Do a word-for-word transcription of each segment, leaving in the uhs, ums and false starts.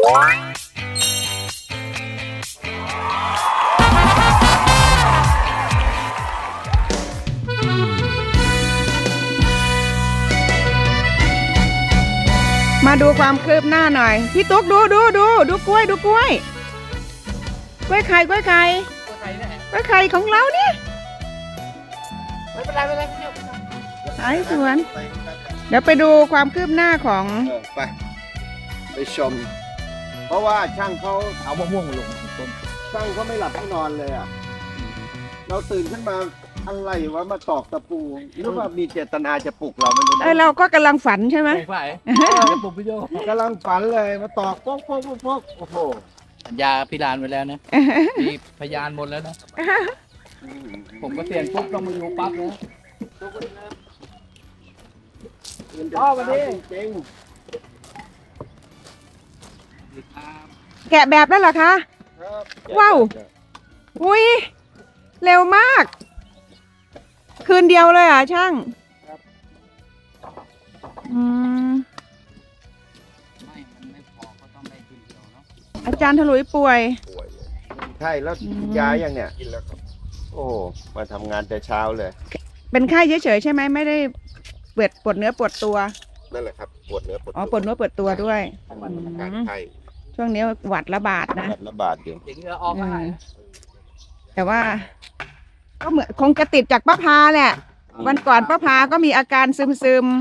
มาดูความคืบหน้าหน่อยพี่ตุ๊กดูดูดูดูกล้วยดูกล้วยกล้วยไข่กล้วยไข่กล้วยไข่ของเราเนี่ยไม่เป็นไรไม่เป็นไรไอ้สวนเดี๋ยวไปดูความคืบหน้าของไปไปชมเพราะว่าช่างเขาเอามะม่วงมาลงต้นช่างเขาไม่หลับไม่นอนเลยอ่ะเราตื่นขึ้นมาอะไรวะมาตอกตะปูหรือว่ามีเจตนาจะปลุกเราไม่รู้เออเราก็กำลังฝันใช่ไหมฝันจะปลุกพี่โยกำลังฝันเลยมาตอกป๊อกป๊อกป๊อกโอ้โหสัญญาพิรานไปแล้วนะมีพยานหมดแล้วนะผมก็เสียนปุ๊บต้องมาอยู่ปั๊บนะพ่อมาดิจริงแกะแบบแล้วเหรอคะว้าวอุ้ยเร็วมากคืนเดียวเลยอ่ะช่างอืมไม่มันไม่พอก็ต้องได้คืนเดียวเนาะอาจารย์ถลุยป่วยใช่แล้วยาอย่างเนี้ยกินแล้วครับโอ้มาทำงานแต่เช้าเลยเป็นไข้เฉยๆใช่ไหมไม่ได้ปวดปวดเนื้อปวดตัวนั่นแหละครับปวดเนื้อปวดอ๋อปวดเนื้อปวดตัวด้วยช่วงนี้หวัดระบาดนะระบาดอยู่อย่างนี้ออกมาแต่ว่าก็เหมือนคงจะติดจากป้าพาแหละวันก่อนป้าพาก็มีอาการซึมซึม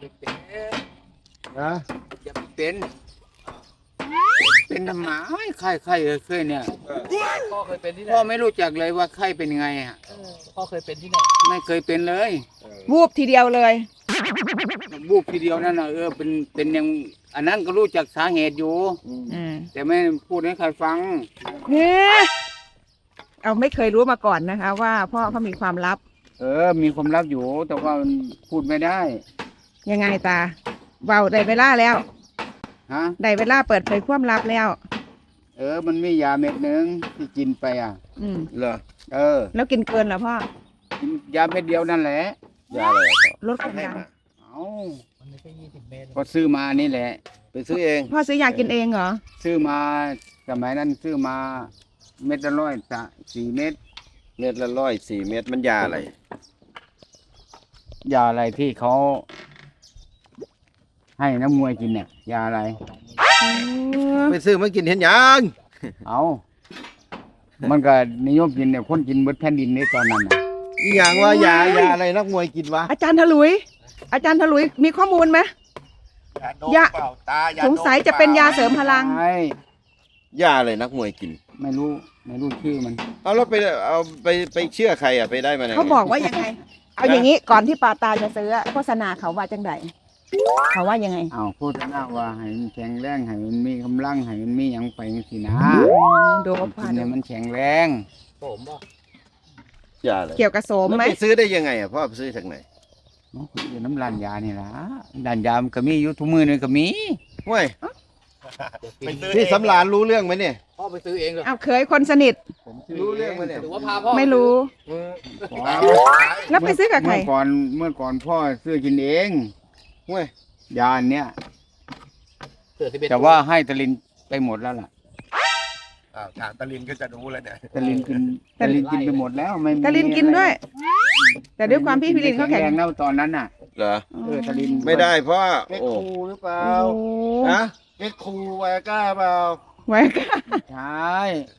นะอย่าเป็นเป็นทำไมไข้ไข้เคยเนี่ยพ่อเคยเป็นที่ไหนพ่อไม่รู้จักเลยว่าไข้เป็นยังไงอ่ะพ่อเคยเป็นที่ไหนไม่เคยเป็นเลยวูบทีเดียวเลยวูบทีเดียวนั่นน่ะเออเป็นเป็นยังอันนั้นก็รู้จักสาเหตุอยู่แต่ไม่พูดให้ใครฟังเนี่ยเอาไม่เคยรู้มาก่อนนะคะว่าพ่อเขามีความลับเออมีความลับอยู่แต่ว่าพูดไม่ได้ยังไงตาเบาได้เวลาแล้วฮะได้เวลาเปิดเผยความลับแล้วเออมันมียาเม็ดนึงที่กินไปอ่ะอืมเหรอเออแล้วกินเกินเหรอพ่อกินยาเม็ดเดียวนั่นแหละยาอะไรลดความดันเอามันไม่ใช่ยี่สิบเมตรก็ซื้อมานี่แหละไปซื้อเองพ่อซื้อยากินเองเหรอซื้อมาสมัยนั้นซื้อมาเม็ดละร้อยสะสี่เม็ดเม็ดละร้อยสี่เม็ดมันยาอะไรยาอะไรที่เขาให้น้ำมวยกินเนี่ยยาอะไรไปซื้อมากินเห็นยังเอามันก็นิยมกินเนี่ยคนกินเบิดแผ่นดินในตอนนั้นน่ะอีหยังว่ายายาอะไรนักมวยกินวะอาจารย์ถลุยอาจารย์ถลุยมีข้อมูลไหมยาสงสัยจะเป็นยาเสริมพลังยาอะไรนักมวยกินไม่รู้ไม่รู้ชื่อมันเอาแล้วไปเอาไปไปเชื่อใครอ่ะไปได้มาไหนเขาบอกว่ายังไงเอาอย่างนี้ก่อนที่ปาตาจะซื้อโฆษณาเขาว่าจังไดเขาว่ายังไงอ้าวโฆษณาว่าให้มันแข็งแรงให้มันมีกำลังให้มันมีอย่างไปสินะโดบกินเนี่ยมันแข็งแรงผมบ่ยาอะไรเกี่ยวกับโสมไหมไปซื้อได้ยังไงอ่ะพ่อไปซื้อจากไหนอยู่น้ำร้านยานี่ล่ะร้านยามันก็มีอยู่ทุกมือนี่ก็มีเว้ยพี่สำราญรู้เรื่องไหมเนี่ยพ่อไปซื้อเองเหรอเอาเคยคนสนิทรู้เรื่องไหมเนี่ยหรือว่าพาพ่อไม่รู้แล้วไปซื้อกับใครเมื่อก่อนเมื่อก่อนพ่อซื้อกินเองเว้ยยาเนี้ยแต่ว่าให้ตะลินไปหมดแล้วล่ะถามตะลินก็จะรู้แล้วเนี่ยตะลินกินตะลินกินไปหมดแล้วไม่ตะลินกินด้วยแต่ด้วยความพี่พี่ลินเขาแข็งแรงแล้วตอนนั้นน่ะเหรอเออตะลินไม่ได้เพราะเม็ดคูหรือเปล่าฮะเม็ดคูไวก้าเปล่าไวก้าใช่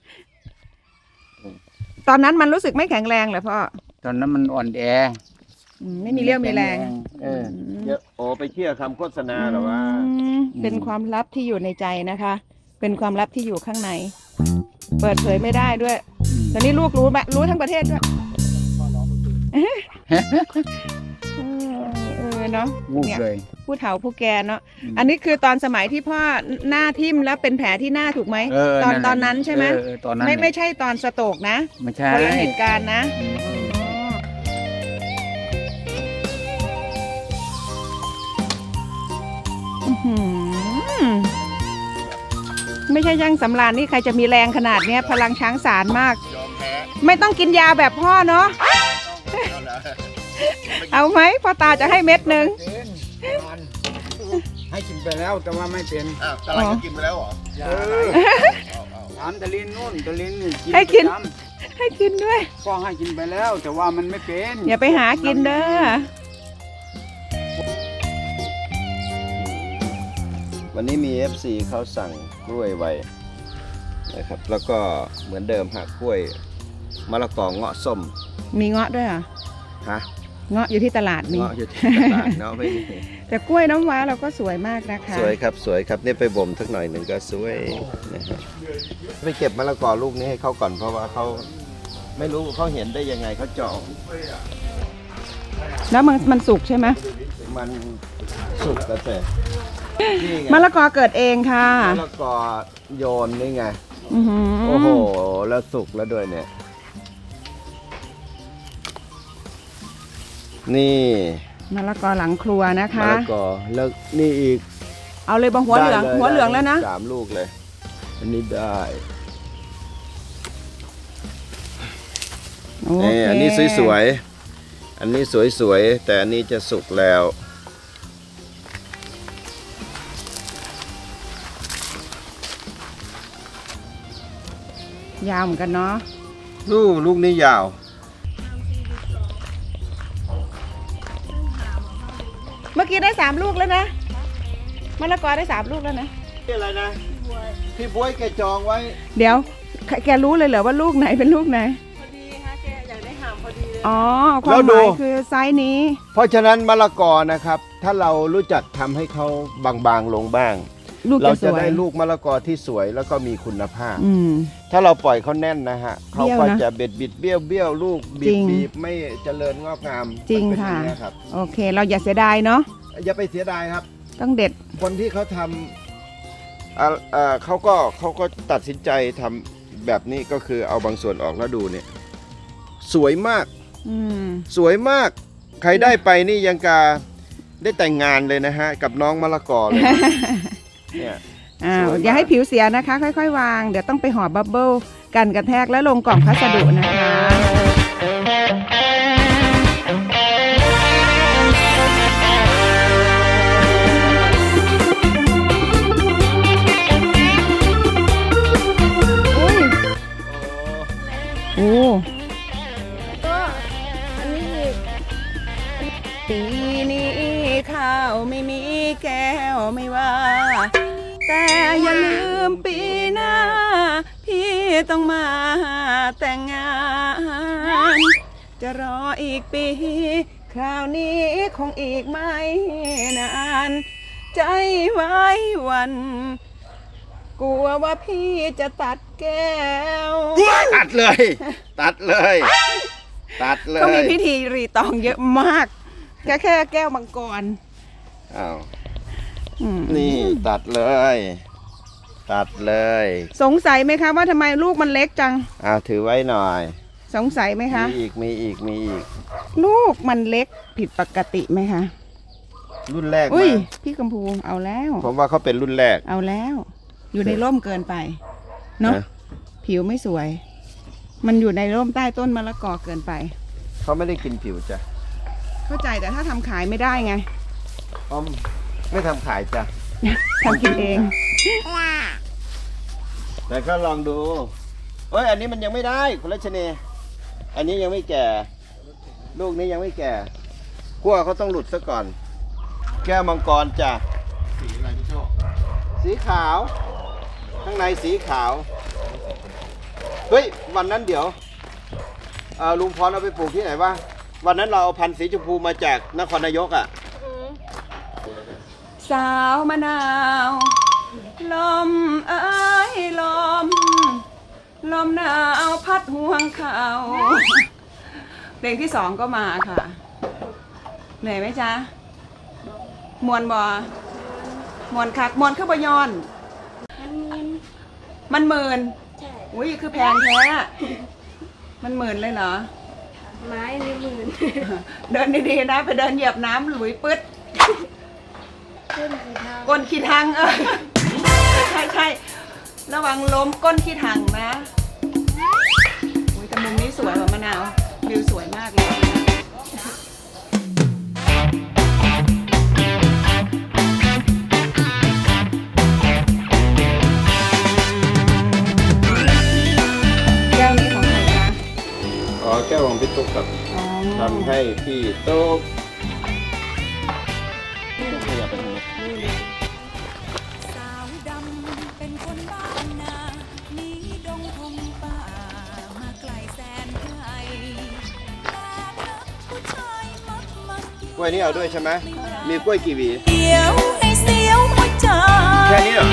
ตอนนั้นมันรู้สึกไม่แข็งแรงเหรอพ่อตอนนั้นมันอ่อนแอไม่มีเรี่ยวมีแรงเออเยอะโอ้ไปเชื่อคำโฆษณาหรอว่าเป็นความลับที่อยู่ในใจนะคะเป็นความลับที่อยู่ข้างในเปิดเผยไม่ได้ด้วยตอนนี้ลูกรู้รู้ทั้งประเทศด้วยเออเนาะเนี่ยผู้เฒ่าผู้แก่เนาะอันนี้คือตอนสมัยที่พ่อหน้าทิ่มแล้วเป็นแผลที่หน้าถูกไหมตอนตอนนั้นใช่ไหมไม่ไม่ใช่ตอนสโตรกนะไม่ใช่คนละเหตุการณ์นะไม่ใช่ย่างสำราญนี่ใครจะมีแรงขนาดเนี้ยพลังช้างสารมากไม่ต้องกินยาแบบพ่อเนาะเอาไหมพ่อตาจะให้เม็ดหนึ่งให้กินไปแล้วแต่ว่าไม่เป็นอ้าวตลาดก็กินไปแล้วเหรออย่าถามตะลินนู่นตะลินนี่กินให้กินประจให้กินด้วยำพ่อให้กินไปแล้ว แต่ว่ามันไม่เป็นอย่าไปหากินเด้อวันนี้มี เอฟ ซี เขาสั่งกล้วยไว้นะครับแล้วก็เหมือนเดิมฮะกล้วยมะละกอเงาะส้มมีเงาะด้วยเหรอฮะเงาะอยู่ที่ตลาดมีเงาะอยู่ที่ตลาดเนาะไม่มีแต่กล้วยน้ำว้าเราก็สวยมากนะคะสวยครับสวยครับเนี่ยไปบ่มสักหน่อยหนึ่งก็สวยนะครับไปเก็บมะละกอลูกนี้ให้เขาก่อนเพราะว่าเขาไม่รู้เขาเห็นได้ยังไงเขาเจาะแล้วมันมันสุกใช่ไหมมันสุกแล้วแต่นี่ไงมะละกอเกิดเองค่ะมะละกอโยนนี่ไงอื้อหือโอ้โหแล้วสุกแล้วด้วยเนี่ยนี่มะละกอหลังครัวนะมะคะละกอแล้วนี่อีกเอาเลยบางหัวเหลืองได้ยหัวเหลืองแล้วนะสามลูกเลย อันนี้ได้โอนี่เคอันนี้สวยๆอันนี้สวยๆแต่อันนี้จะสุกแล้วยาวเหมือนกันเนาะลูกลูกนี้ยาวเมื่อกี้ได้สามลูกแล้วนะมะละกอได้สามลูกแล้วนะนี่อะไรนะพี่บ๊วยแกจองไว้เดี๋ยวแกแกรู้เลยเหรอว่าลูกไหนเป็นลูกไหนพอดีฮะแกอยากได้หามพอดีเลยอ๋อความหมายคือไซส์นี้เพราะฉะนั้นมะละกอนะครับ ถ้าเรารู้จักทำให้เขาบางๆลงบ้างลูกเราจะสจะวยได้ลูกมะละกอที่สวยแล้วก็มีคุณภาพอืมถ้าเราปล่อยเขาแน่นนะฮะเขาเบี้ยวก็นะจะเบ็ดบิดเบี้ยวเบี้ยวลูกบีจริบงบีบไม่เจริญงอกงามจริงมันเป็นค่ะอย่างนี้ยครับโอเค เราอย่าเสียดายเนาะอย่าไปเสียดายครับต้องเด็ดคนที่เขาทำอ่าอ่าเขาก็เขาก็ตัดสินใจทำแบบนี้ก็คือเอาบางส่วนออกแล้วดูเนี่ย สวยมากอืมสวยมาก ใครได้ไปนี่ยังกาได้แต่งงานเลยนะฮะ กับน้องมะละกอเลย เนี่ยอ้าสววยมากอย่าให้ผิวเสียนะคะ ค่อยๆ วาง เดี๋ยวต้องไปห่อบับเบิ้ลกันกระแทกแล้วลงกล่องพัสดุนะคะ อุ้ย โอ้ก็อันนี้อีกปีนี้ข้าวไม่มีแก้วไม่ว่า แต่อย่าลืมปีหน้า พี่ต้องมาแต่งงาน จะรออีกปี คราวนี้คงอีกไม่นาน ใจไว้วัน กลัวว่าพี่จะตัดแก้วตัดเลย ตัดเลย ตัดเลยเขามีพิธีรีตองเยอะมาก แค่แค่แก้วมังกรอ้าวอืมนี่ตัดเลย ตัดเลยสงสัยไหมคะว่าทำไมลูกมันเล็กจังอ้าวถือไว้หน่อยสงสัยไหมคะมีอีกมีอีกมีอีกลูกมันเล็กผิดปกติไหมคะรุ่นแรกอุ้ยมาพี่กัมพูเอาแล้วผมว่าเขาเป็นรุ่นแรกเอาแล้ว อยู่ในร่มเกินไปเนาะนะผิวไม่สวย มันอยู่ในร่มใต้ต้นมะละกอเกินไปเขาไม่ได้กินผิวจ้ะเข้าใจแต่ถ้าทำขายไม่ได้ไงอ้อมไม่ทำขายจ้ะทำกินเองแต่ก็ลองดูเอ้ยอันนี้มันยังไม่ได้คุณรัชนีอันนี้ยังไม่แก่ ลูกนี้ยังไม่แก่ขั้วเขาต้องหลุดซะก่อน แก้วมังกรจ้ะสีอะไรพี่โชคสีขาว ข้างในสีขาว เฮ้ยวันนั้นเดี๋ยวเอ่อลุงพรเอาไปปลูกที่ไหนวะวันนั้นเราเอาพันธุ์สีชมพูมาจากนครนายกอ่ะสาวมะนาว ลมเอ้ยลม ลมหนาวพัดห่วงเขาเพลงที่สองก็มาค่ะ เหนื่อยไหมจ๊ะ มวนบอมวนคักมวนขึ้นบยอนมันมีมันหมื่นใช่อุ้ยคือแพงแท้อะมันหมื่นเลยเหรอไม้ในหมื่นเดินดีๆนะ ไปเดินเหยียบน้ำหลุยปึ๊ดขึ้นกี่ทางก้นขี้ทังเออใช่ใช่ระวังล้มก้นขี้ทังนะอุ้ยแต่มุมนี้สวยกว่ามะนาววิวสวยมากเลยกครับทำให้พี่ตุ๊กขยับไปทางนี้สาวดำเป็นคนบ้านนาหนีดงพงป่ามาไกลแสนไกลแต่นักผู้ชายมักมักกล้วยนี่เอาด้วยใช่ไหมมีกล้วยกี่หวีเดียวให้เสียวหัวใจแค่นี้เหรอ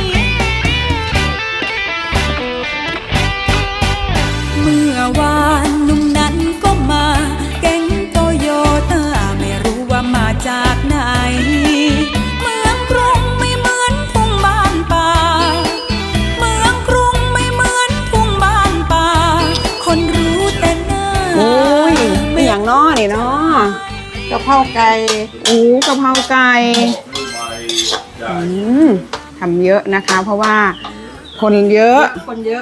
เมื่อวานหนุ่มนั้นก็มาแก๊งโตโยต้าไม่รู้ว่ามาจากไหนเมืองกรุงไม่เหมือนทุ่งบ้านป่าเมืองกรุงไม่เหมือนทุ่งบ้านป่าคนรู้แต่หน้าโอ้ยไม่อย่างน้อนี่เนาะกะเพราไก่โอ้กะเพราไก่อืมทำเยอะนะคะ เพราะว่าคนเยอะคนเยอะ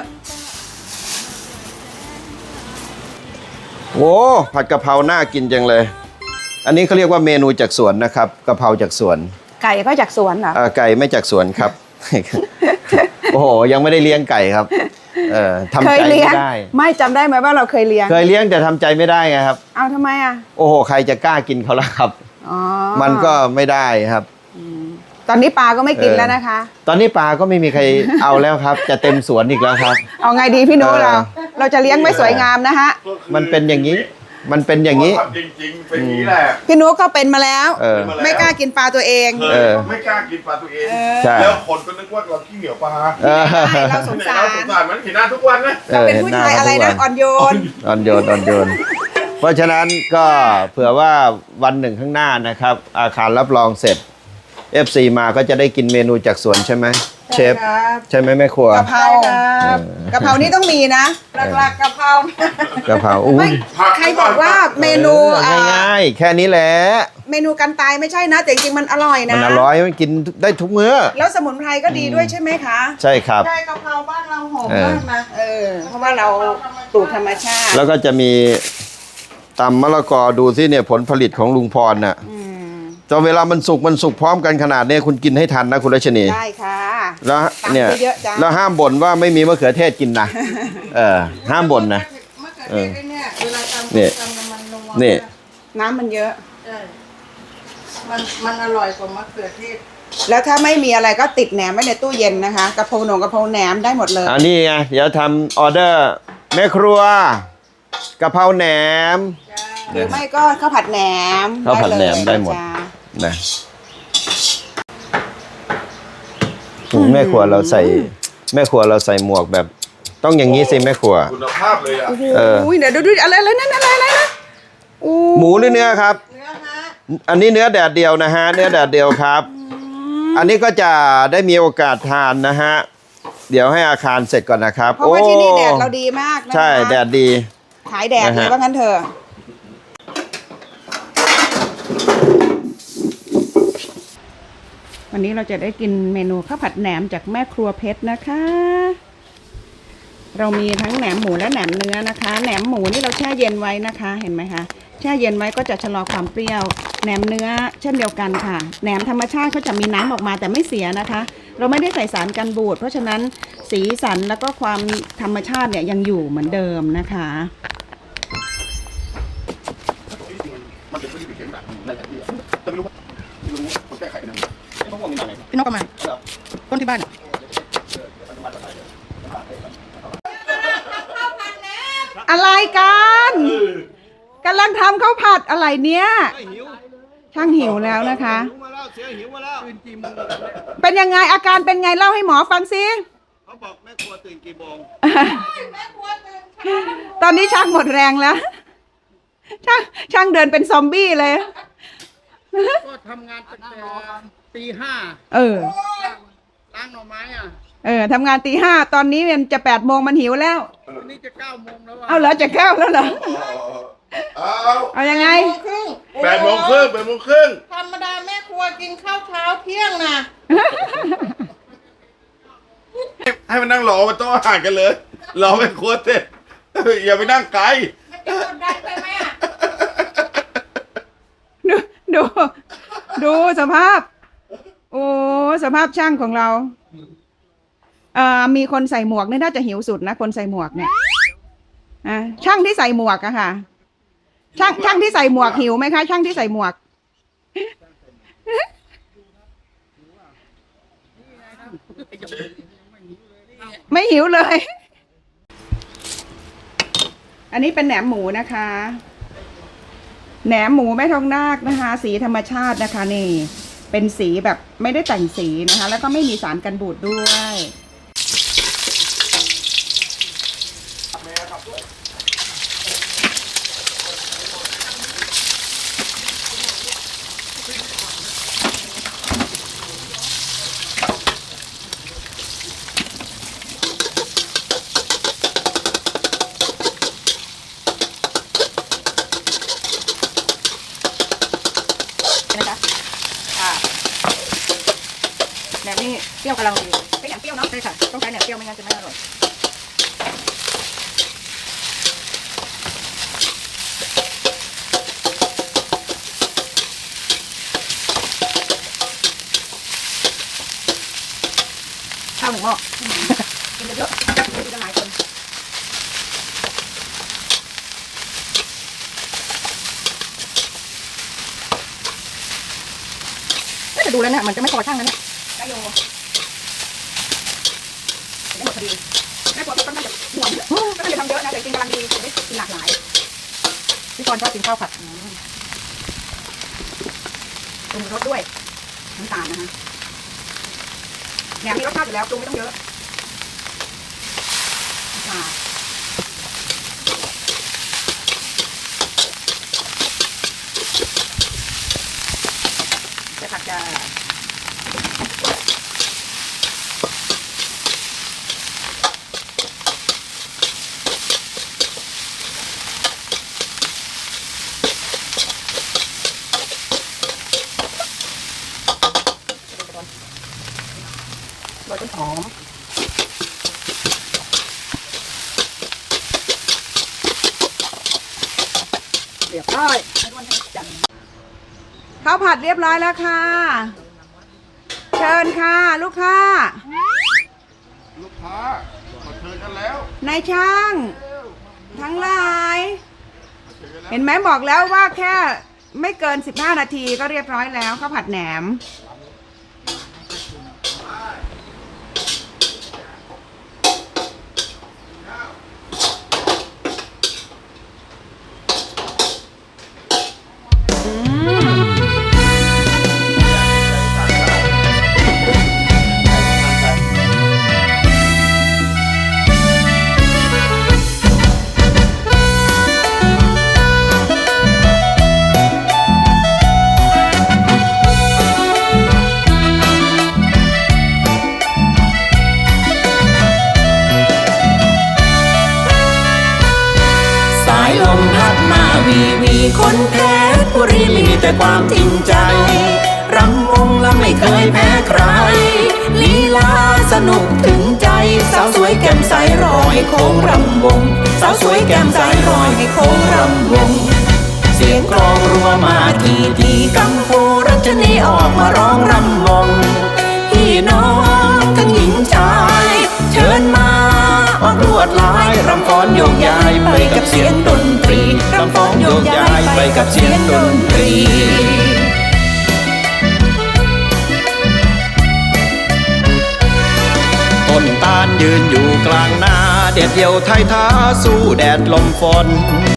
โอ้ผัดกะเพราน่ากินจังเลย อันนี้เขาเรียกว่าเมนูจากสวนนะครับกะเพราจากสวนไก่ก็จากสวนเหรออ่าไก่ไม่จากสวนครับ โอ้โหยังไม่ได้เลี้ยงไก่ครับเออทำเคใจยเลี้ยไม่งได้ไม่จำได้ไหมว่าเราเคยเลี้ยงเคยเลี้ยงแต่ทำใจไม่ได้ไงครับเอาทำไมอ่ะโอ้โหใครจะกล้ากินเขาล่ะครับอ๋อมันก็ไม่ได้ครับตอนนี้ปลาก็ไม่กินเออแล้วนะคะตอนนี้ปลาก็ไม่มีใครเอาแล้วครับ จะเต็มสวนอีกแล้วครับเอาไงดีพี่โน้เออเรา เราจะเลี้ยงไม่สวยงามนะฮะมันเป็นอย่างนี้ มันเป็นอย่างนี้จริงๆเป็นอย่างนี้แหละพี่นุ๊กก็เป็นมาแล้วเออไม่กล้ากินปลาตัวเองเคเอย อไม่กล้ากินปลาตัวเองใช่แล้วคนก็นึกว่าเราขี้เหนียวปลาเออเราสงที่ไหนสาเราสรงสารมันเห็นหน้าทุกวันนะเราเป็นผู้ชายอะไรนะอ่อนโยนอ่อนโยนอ่อนโยน เพราะฉะนั้นก็เผื่อว่าวันหนึ่งข้างหน้านะครับ อาคารรับรองเสร็จ เอฟ ซี มาก็จะได้กินเมนูจากสวนใช่ไหมเชฟครับใช่ไหมแม่ครัวกะเพราครับกะเพรานี่ต้องมีนะหลักๆกะเพรากะเพราอุ้ไม่ยใครบอกว่าเมนูเอออ่าง่ายๆ แค่นี้แหละเมนูกันตายไม่ใช่นะแต่จริงๆมันอร่อยนะมันอร่อยมันกินได้ทุกมื้อแล้วสมุนไพรก็ดีด้วยใช่ไหมคะใช่ครับใช่กะเพราบ้านเราหอมเออมากนะเออ เพราะว่าเราปลูกธรรมชาติแล้วก็จะมีตำมะละกอดูสิเนี่ยผลผลิตของลุงพรน่ะอืมจนเวลามันสุกมันสุกพร้อมกันขนาดนี้คุณกินให้ทันนะคุณรัชนีได้ค่ะแล้วเนี่ยตำเยอะๆจ้ะแล้วห้ามบ่นว่าไม่มีมะเขือเทศกินนะเออห้ามบ่นนะมะเขือเทศไอ้เนี่ยเวลาทำเนี่ยทำน้ำมันนัวนี่น้ำมันเยอะใช่มันมันอร่อยกว่ามะเขือเทศแล้วถ้าไม่มีอะไรก็ติดแหนมไว้ในตู้เย็นนะคะกระเพราหนงกระเพราแหนมได้หมดเลยอันนี้ไงเดี๋ยวทำออเดอร์แม่ครัวกะเพราแหนมหรือไม่ก็ข้าวผัดแหนมข้าวผัดแหนมได้หมดจ้ะนะแม่ครัวเราใส่แม่ครัวเราใส่หมวกแบบ ต้องอย่างนี้สิแม่ครัวคุณภาพเลยอ่ะโอ้โหเออเดี๋ยวดูดูอะไรอะไรนั่นอะไรอะไรนะโอ้หมูหรือเนื้อครับเนื้อฮะอันนี้เนื้อแดดเดียวนะฮะ เนื้อแดดเดียวครับ อันนี้ก็จะได้มีโอกาสทานนะฮะ เดี๋ยวให้อาคารเสร็จก่อนนะครับเพราะว่าที่นี่แดดเราดีมากนะคะใช่แดดดีขายแดดเลยนะฮะว่างั้นเถอะวันนี้เราจะได้กินเมนูข้าวผัดแหนมจากแม่ครัวเพชรนะคะ เรามีทั้งแหนมหมูและแหนมเนื้อนะคะ แหนมหมูนี่เราแช่เย็นไว้นะคะ เห็นไหมคะ แช่เย็นไว้ก็จะชะลอความเปรี้ยว แหนมเนื้อเช่นเดียวกันค่ะ แหนมธรรมชาติเขาจะมีน้ำออกมาแต่ไม่เสียนะคะ เราไม่ได้ใส่สารกันบูด เพราะฉะนั้นสีสันแล้วก็ความธรรมชาติเนี่ยยังอยู่เหมือนเดิมนะคะพี่นกก็มาต้นที่บ้านอะไรกันกำลังทำข้าวผัดอะไรเนี่ย ช่างหิวแล้วนะคะ เป็นยังไงอาการเป็นไงเล่าให้หมอฟังสิเขาบอกแม่ครัวตื่นกี่โมงตอนนี้ช่างหมดแรงแล้ว ช่างช่างเดินเป็นซอมบี้เลยก็ทำงานตั้งแต่ตีห้าเออล้างหน่อไม้อ่ะเออทำงานตีห้าตอนนี้มันจะแปดโมงมันหิวแล้ววันนี้จะเก้าโมงแล้วอ่ะเอาเหรอจะแก้วแล้วเหรอเอาเอายังไงครึ่งแปดโมงครึ่งแปดโมงครึ่งธรรมดาแม่ครัวกินข้าวเช้าเที่ยงนะให้มันนั่งรอมาโต๊ะอาหารกันเลย รอเป็นครัวเสร็จอย่าไปนั่งไกลมันจะกดดันไปไหมอ่ะดูดูดูสภาพ โอ้สภาพช่างของเราเอ่อมีคนใส่หมวกนี่น่าจะหิวสุดนะคนใส่หมวกเนี่ยอ่ะช่างที่ใส่หมวกอะค่ะช่างช่างที่ใส่หมวกหิวไหมคะ ช่างที่ใส่หมวก ไม่หิวเลย อันนี้เป็นแหนมหมูนะคะ แหนมหมูแม่ทองนาคนะคะ สีธรรมชาตินะคะนี่ เป็นสีแบบไม่ได้แต่งสีนะคะ แล้วก็ไม่มีสารกันบูดด้วย นะคะอ่าแหนมนี่เปรี้ยวกำลังดีเป็นแหนมเปรี้ยวเนาะใช่ค่ะต้องใช้แหนมเปรี้ยวไม่งั้นจะไม่อร่อยข้าวหนึ่งหม้อกินเยอะๆกินกันหลายคนจะดูแล้วเนี่ยมันจะไม่พอช่างนะเนี่ยได้โยได้หมดพอดีแม่กลัวพี่ต้นน่าจะห่วงก็เลยทำเยอะนะแต่จริงกำลังดีจะได้กินหลากหลายพี่กรณ์ชอบกินข้าวผัดปรุงรสด้วยน้ำตาลนะคะแหนมมีรสชาติอยู่แล้วปรุงไม่ต้องเยอะค่ะจะผัดจะโรยต้นหอมเรียบร้อยข้าวผัดเรียบร้อยแล้วค่ะ เชิญค่ะลูกค้าลูกค้ามาเชิญกันแล้วนายช่าง ทั้งหลาย เห็นไหมบอกแล้วว่าแค่ไม่เกินสิบห้านาทีก็เรียบร้อยแล้วข้าวผัดแหนมสายลมพัดมาวีวีคนเพชรบุรีมีแต่ความจริงใจรำวงและไม่เคยแพ้ใครลีลาสนุกถึงใจสาวสวยแก้มใสรอให้โค้งรำวงสาวสวยแก้มใสรอให้โค้งรำวงเสียงกลองรัวมาทีทีกัมพูรัชนีออกมาร้องรำวงพี่น้องทั้งหญิงชายเชิญมาออกลวดลายรำฟ้อนโยกย้ายไปกับเสียงดนตรีรำฟ้อนโยกย้ายไปกับเสียงดนตรีต้นตาลยืนอยู่กลางนาเด็ดเดี่ยวไทยท้าสู้แดดลมฝน